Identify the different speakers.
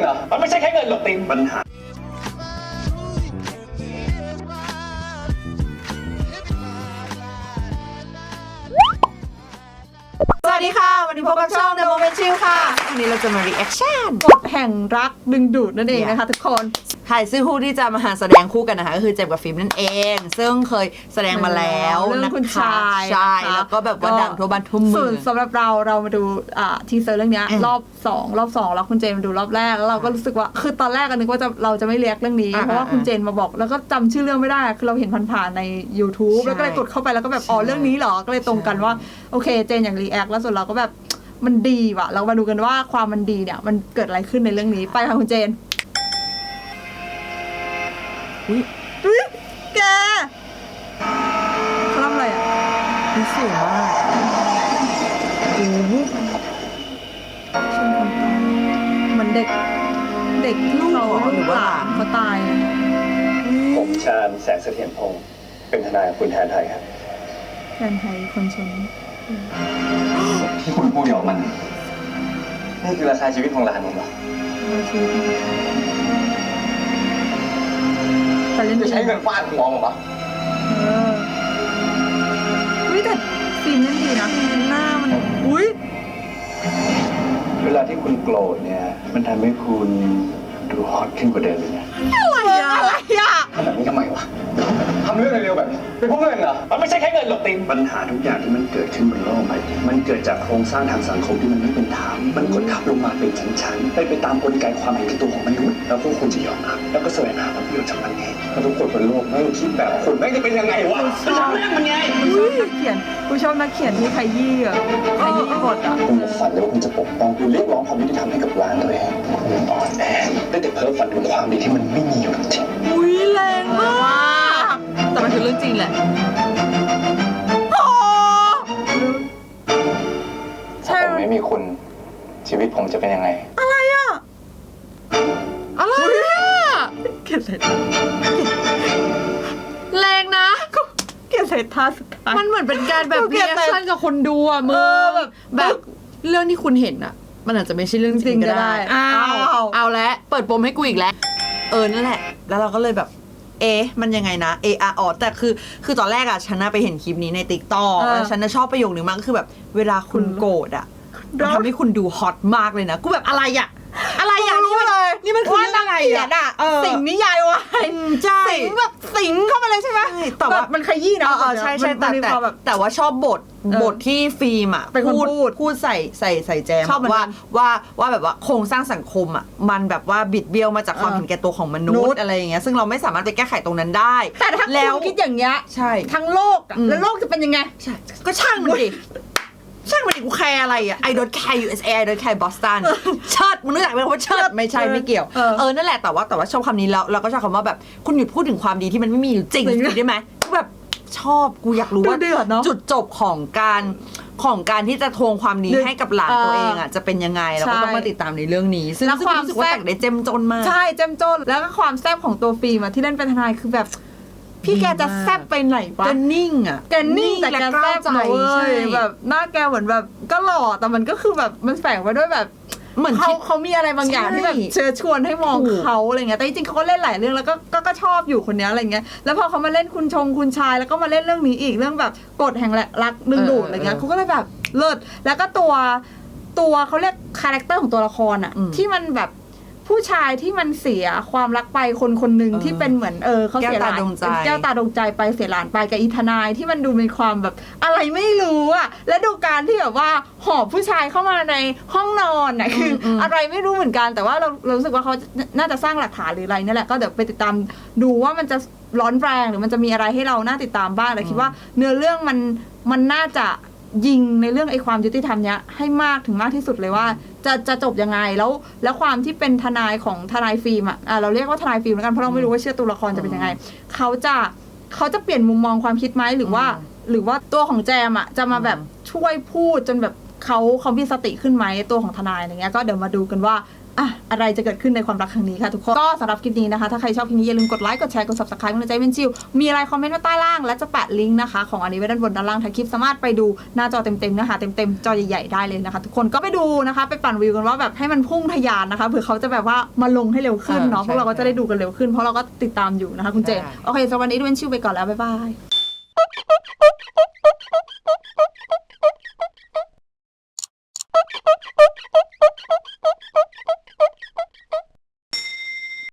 Speaker 1: เหรอมันไม่ใช่แค่เงินหรอกติมปัญหา
Speaker 2: สวัสดีค่ะวันนี้พบกับช่อง The Moment Chill ค่ะวันนี้เราจะมา reaction
Speaker 3: กฎแห่งรักดึงดูดนั่นเองนะคะทุกคน
Speaker 2: ถ่ายซื้อคู่ที่จะมาหาแสดงคู่กันนะคะก็คือเจมส์กับฟิล์มนั่นเอง ซึ่งเคยแสดงมาแล้ว
Speaker 3: เรื่องคุณชาย
Speaker 2: ใช่แล้วก็แบบว่าดังทั่วบ้านทั่วเมื
Speaker 3: ส่
Speaker 2: อ
Speaker 3: วน
Speaker 2: ง
Speaker 3: สำหรับเรามาดูทีเซอร์เรื่องนี้รอบ2แล้วคุณเจนมาดูรอบแรกแล้วเราก็รู้สึกว่าคือตอนแรกก็นึกว่าเราจะไม่เรียกเรื่องนี้เพราะว่าคุณเจนมาบอกแล้วก็จำชื่อเรื่องไม่ได้คือเราเห็นผ่านๆใน YouTube แล้วก็เลยกดเข้าไปแล้วก็แบบอ๋อเรื่องนี้เหรอก็เลยตรงกันว่าโอเคเจนอย่างรีแอคแล้วส่วนเราก็แบบมันดีว่ะเรามาดูกันว่าความมันดีเนี่ยมันเกิดอะไรขึ้นในเรื่องนี้ไปค่ะคุณเจนอุ๊ยแกเขาทำอะไรอ่ะ
Speaker 2: นี่สวยมาก
Speaker 3: โอ้โหชนคนตายเหมือนเด็กลูกหรือว่าเขาตายเลย
Speaker 1: ผมชาญแสงเสถียรพงศ์เป็นทนายคุณแทนไทยครับ
Speaker 3: แทนไทยคนชน
Speaker 1: ที่คุณพูดออกมันนี่คือราคาชีวิตของหลานผมเหรอ
Speaker 3: ชีวิตแต่เล่น
Speaker 1: จะใช้เงินฟาดคุณมองผมปะ
Speaker 3: วิแต่ฟิล์มเล่นดีนะหน้ามันอุ้ย
Speaker 1: เวลาที่คุณโกรธเนี่ยมันทำให้คุณดูฮอตขึ้นกว่าเดิมเลยนะ
Speaker 3: อะไรอ่ะ
Speaker 1: ทำแบบนี้ทำไมวะทำเรื่องเร็วๆแบบนี้เป็นเพราะเงินเหรอมันไม่ใช่แค่เงินหรอกติมปัญหาทุกอย่างที่มันเกิดขึ้นบนโลกใบนี้มันเกิดจากโครงสร้างทางสังคมที่มันไม่เป็นธรรมมันกดทับลงมาเป็นชั้นๆไปตามกลไกความเห็นแก่ตัวของมนุษย์แล้วพวกคุณจะยอมรับแล้วก็แสวงหาผลประโยชน์จากมันเองแล้วทุกคนบนโลกไม่คิดแบบคุณไม่จะเป็นยังไงวะจะทำเรื่องมันไง
Speaker 3: กูชอบนักเขียนที่ขยี้อ่ะขยี้บทอ่ะ
Speaker 1: คุณจะฝันเลยว่าคุณจะปกป้องคุณเรียกร้องความยุติธรรมให้กับร้านตัวเองคุณอ่อนแอได้แต่เพ้อฝันถึงความดีที่มันไม่มีอยู่จริง
Speaker 3: อุ้ยแรงมาก
Speaker 2: แต่มันคือเรื่องจริงแหละ
Speaker 1: ถ้าผมไม่มีคุณชีวิตผมจะเป็นยังไง
Speaker 3: อะไรอ่ะ
Speaker 2: อะไรอ่ะ
Speaker 3: เกลียดสายตา
Speaker 2: แรงนะ
Speaker 3: เกลียดสายตาสุดท้าย
Speaker 2: มันเหมือนเป็นการแบบ
Speaker 3: เกลียด
Speaker 2: reaction กับคนดูอ่ะมึง แบบเรื่องที่คุณเห็นอ่ะ มันอาจจะไม่ใช่เรื่องจริงก็ได้เอาแล้วเปิดปมให้กูอีกแล้วนั่นแหละแล้วเราก็เลยแบบมันยังไงนะแต่คือตอนแรกอะฉันน่ะไปเห็นคลิปนี้ใน TikTok แล้วฉันน่ะชอบประโยคนึงมากก็คือแบบเวลาคุณโกรธอะมันทำให้คุณดูฮอตมากเลยนะกูแบบอะไรอะนี่มันคือเรื่องอะไรอะ
Speaker 3: สิ่งนิยายวาย
Speaker 2: ใช่
Speaker 3: สิงแบบสิงเข้ามาเลยใช่ไหม
Speaker 2: แต่ว่า
Speaker 3: มันขยี้นะ
Speaker 2: ใช่แต่ว่าชอบบทที่ฟิล์มอ่ะ
Speaker 3: เป็นคนพูด
Speaker 2: ใส่แจม
Speaker 3: ชอบเหมือนกัน
Speaker 2: ว่าแบบว่าโครงสร้างสังคมอ่ะมันแบบว่าบิดเบี้ยวมาจากความเห็นแก่ตัวของมนุษย์อะไรอย่างเงี้ยซึ่งเราไม่สามารถไปแก้ไขตรงนั้นได้
Speaker 3: แต่ถ้า
Speaker 2: แล้ว
Speaker 3: คุณคิดอย่างเงี้ย
Speaker 2: ใช่
Speaker 3: ทั้งโลกอะแล้วโลกจะเป็นยังไง
Speaker 2: ใช่ก็ช่างมันดิกูแคร์อะไรอ่ะ I don't care USA I don't care Boston เชิดมึงนึกอยากเป็นคำว่าเชิดไม่ใช่ไม่เกี่ยวนั่นแหละแต่ว่าชอบคำนี้แล้วเราก็ชอบคำว่าแบบคุณหยุดพูดถึงความดีที่มันไม่มีอยู่จริงได้ไหมกูแบบชอบกูอยากรู้ว่าจุดจบของการที่จะทวงความดีให้กับหลานตัวเองอ่ะจะเป็นยังไงเราก็ต้องมาติดตามในเรื่องนี้ซึ่งรู้สึกว่าแต่งได้เจ้มจนมาก
Speaker 3: ใช่เจ้มจนแล้วก็ความแซ่บของตัวฟิล์มอะที่เล่นเป็นทนายคือแบบพี่แกจะแซ่บไปไหนวะ
Speaker 2: แกนิ่งอ่ะ
Speaker 3: แกนิ่งแต่แกแซ่บนะเว้ยแบบหน้าแกเหมือนแบบก็หล่อแต่มันก็คือแบบมันแฝงไว้ด้วยแบบ
Speaker 2: เหมือน
Speaker 3: เขามีอะไรบางอย่างที่แบบเชิญชวนให้มองเขาอะไรเงี้ยแต่จริงๆเขาก็เล่นหลายเรื่องแล้วก็ชอบอยู่คนนี้อะไรเงี้ยแล้วพอเขามาเล่นคุณชายแล้วก็มาเล่นเรื่องนี้อีกเรื่องแบบกฎแห่งรักดึงดูดอะไรเงี้ยเขาก็เลยแบบเลิศแล้วก็ตัวเขาเรียกคาแรคเตอร์ของตัวละครอะที่มันแบบผู้ชายที่มันเสียความรักไปคนหนึ่งที่เป็นเหมือนเขาเสียหลานแก้วตาดวงใจไปเสียหลานไปกับอีทนายที่มันดูเป็นความแบบอะไรไม่รู้อะและดูการที่แบบว่าหอบผู้ชายเข้ามาในห้องนอนน่ะคืออะไรไม่รู้เหมือนกันแต่ว่าเรารู้สึกว่าเขาน่าจะสร้างหลักฐานหรืออะไรนี่แหละก็เดี๋ยวไปติดตามดูว่ามันจะร้อนแรงหรือมันจะมีอะไรให้เราน่าติดตามบ้างแต่คิดว่าเนื้อเรื่องมันน่าจะยิงในเรื่องไอ้ความยุติธรรมเนี้ยให้มากถึงมากที่สุดเลยว่าจะจบยังไงแล้วความที่เป็นทนายของทนายฟิล์มอ่ะเราเรียกว่าทนายฟิล์มแล้วกันเพราะเราไม่รู้ว่าเชื่อตัวละครจะเป็นยังไงเขาจะเปลี่ยนมุมมองความคิดไหมหรือว่าตัวของแจมอ่ะจะมาแบบช่วยพูดจนแบบเขามีสติขึ้นไหมตัวของทนายอะไรเงี้ยก็เดี๋ยวมาดูกันว่าอะไรจะเกิดขึ้นในความรักครั้งนี้ค่ะทุกคนก็สำหรับคลิปนี้นะคะถ้าใครชอบคลิปนี้อย่าลืมกดไลค์กดแชร์กด subscribe กำลังใจเป็นชิวมีอะไรคอมเมนต์ไว้ใต้ล่างและจะแปะลิงก์นะคะของอันนี้ไว้ด้านบนด้านล่างท้ายคลิปสามารถไปดูหน้าจอเต็มๆนะคะเต็มๆจอใหญ่ๆได้เลยนะคะทุกคนก็ไปดูนะคะไปปั่นวิวกันว่าแบบให้มันพุ่งทะยานนะคะเผื่อเขาจะแบบว่ามาลงให้เร็วขึ้นเนาะพวกเราก็จะได้ดูกันเร็วขึ้นเพราะเราก็ติดตามอยู่นะคะคุณเจนโอเคสำหรับวันนี้เป็นชิวไปก่อนแล้วบ๊ายบาย